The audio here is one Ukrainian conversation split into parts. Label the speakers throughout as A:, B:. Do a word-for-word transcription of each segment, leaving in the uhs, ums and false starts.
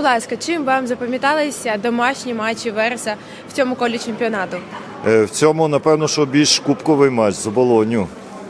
A: ласка, чим вам запам'яталися домашні матчі Вереса в цьому колі чемпіонату?
B: Е, В цьому, напевно, що більш кубковий матч з Оболонню.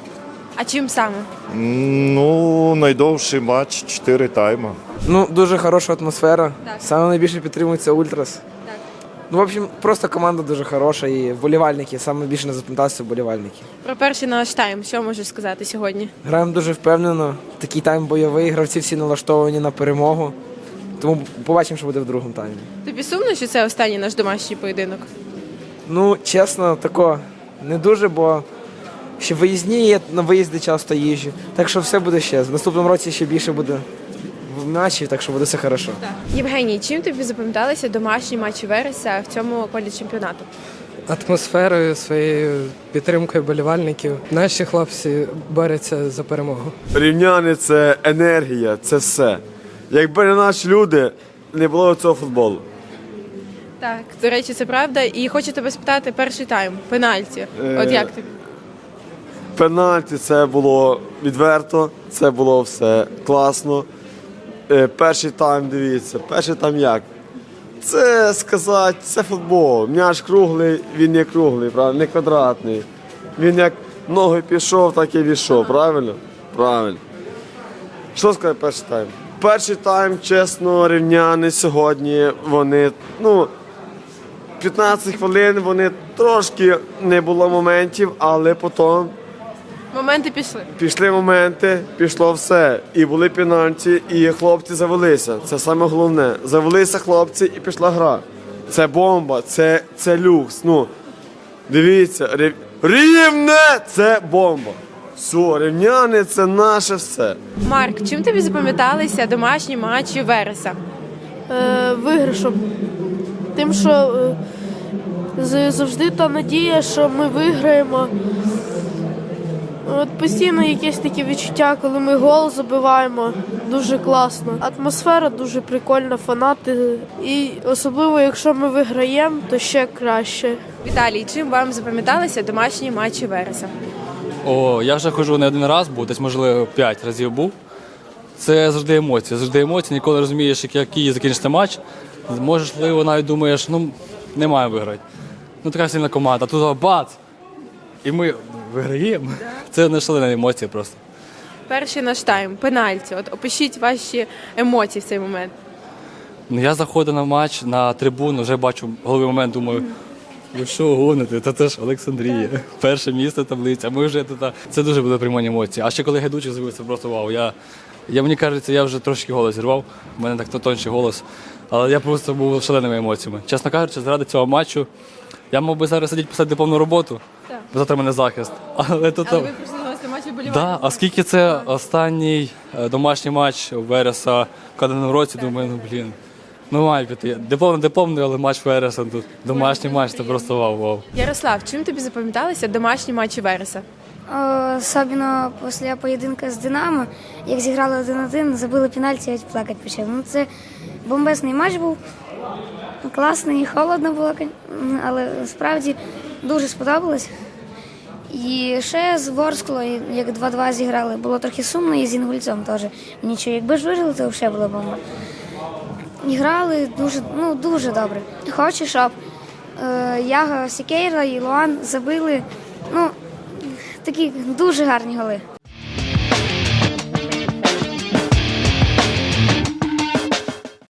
A: А чим саме?
B: М, Ну, найдовший матч, чотири тайми.
C: Ну, дуже хороша атмосфера.
A: Так.
C: Саме найбільше підтримується Ультрас.
A: Так.
C: Ну, в общем, просто команда дуже хороша і вболівальники. Саме більше не запам'яталися вболівальники.
A: Про перший наш тайм, що можеш сказати сьогодні?
C: Граємо дуже впевнено. Такий тайм бойовий, гравці всі налаштовані на перемогу. Тому побачимо, що буде в другому таймі.
A: Тобі сумно, що це останній наш домашній поєдинок?
C: Ну, чесно, тако не дуже, бо ще виїзні є, на виїзди часто їжджу. Так що все буде ще. В наступному році ще більше буде в матчів, так що буде все хорошо.
A: Євгеній, чим тобі запам'яталися домашні матчі Вереса в цьому колі чемпіонату?
D: Атмосферою, своєю підтримкою болівальників. Наші хлопці борються за перемогу.
E: Рівняни – це енергія, це все. Якби не наші люди, не було цього футболу.
A: Так, до речі, це правда. І хочу тебе спитати перший тайм, пенальті.
E: Е,
A: От як тобі?
E: Пенальті – це було відверто, це було все класно. Е, Перший тайм, дивіться, перший тайм як? Це сказати, це футбол. М'яч круглий, він не круглий, правильно, не квадратний. Він як ноги пішов, так і війшов, правильно? Правильно. Що сказати перший тайм? Перший тайм, чесно, рівняни сьогодні, вони, ну, п'ятнадцять хвилин, вони трошки не було моментів, але потім
A: Моменти пішли.
E: пішли моменти, пішло все. І були пенальті, і хлопці завелися. Це саме головне. Завелися хлопці і пішла гра. Це бомба, це, це люкс. Ну, дивіться, рів... Рівне це бомба. Все, рівняни це наше все.
A: Марк, чим тобі запам'яталися домашні матчі Вереса?
F: е, виграшом. Тим, що е, з- завжди та надія, що ми виграємо. От постійно якесь таке відчуття, коли ми гол забиваємо, дуже класно. Атмосфера дуже прикольна, фанати. І особливо, якщо ми виграємо, то ще краще.
A: Віталій, чим вам запам'яталися домашні матчі Вереса?
G: О, я вже ходжу не один раз, був, десь, можливо, п'ять разів був. Це завжди емоції, завжди емоції, ніколи не розумієш, як- який закінчиться матч. Можливо, навіть думаєш, ну, не має виграти. Ну, така сильна команда, а тут бац! І ми виграємо. Це не шалені емоції просто.
A: Перший наш тайм, пенальті. От опишіть ваші емоції в цей момент.
G: Ну, я заходив на матч, на трибуну, вже бачу головний момент, думаю, ви що гоните, та це ж Олександрія, перше місце таблиця, ми вже тут. Це дуже були приймані емоції. А ще коли Гайдучик з'явився, просто вау. Я, я, мені кажеться, я вже трошки голос зірвав, у мене так тонший голос, але я просто був шаленими емоціями. Чесно кажучи, заради цього матчу я мав би зараз сидіти писати дипломну роботу, бо завтра в мене захист. Але тут...
A: Але ви прийшли на гості матчі болівальників.
G: Да, а скільки це останній е, домашній матч у Вереса в календарному році, думаю, ну блін, ну має піти. Дипломний, дипломний, але матч Вереса тут. Домашній матч, це просто вау-вау.
A: Ярослав, чим тобі запам'яталися домашні матчі Вереса?
H: О, Особливо після поєдинку з Динамо, як зіграли один-один, забили пенальті, я плакати почав. Ну, це бомбезний матч був, класний, холодно було, але справді дуже сподобалось. І ще з Ворсклою, як два-два зіграли, було трохи сумно, і з Інгульцем теж. Нічого, якби ж вижили, то взагалі була бомба. І грали дуже, ну, дуже добре. Хочу, щоб е, Яго Сікейра і Луан забили, ну, такі дуже гарні голи.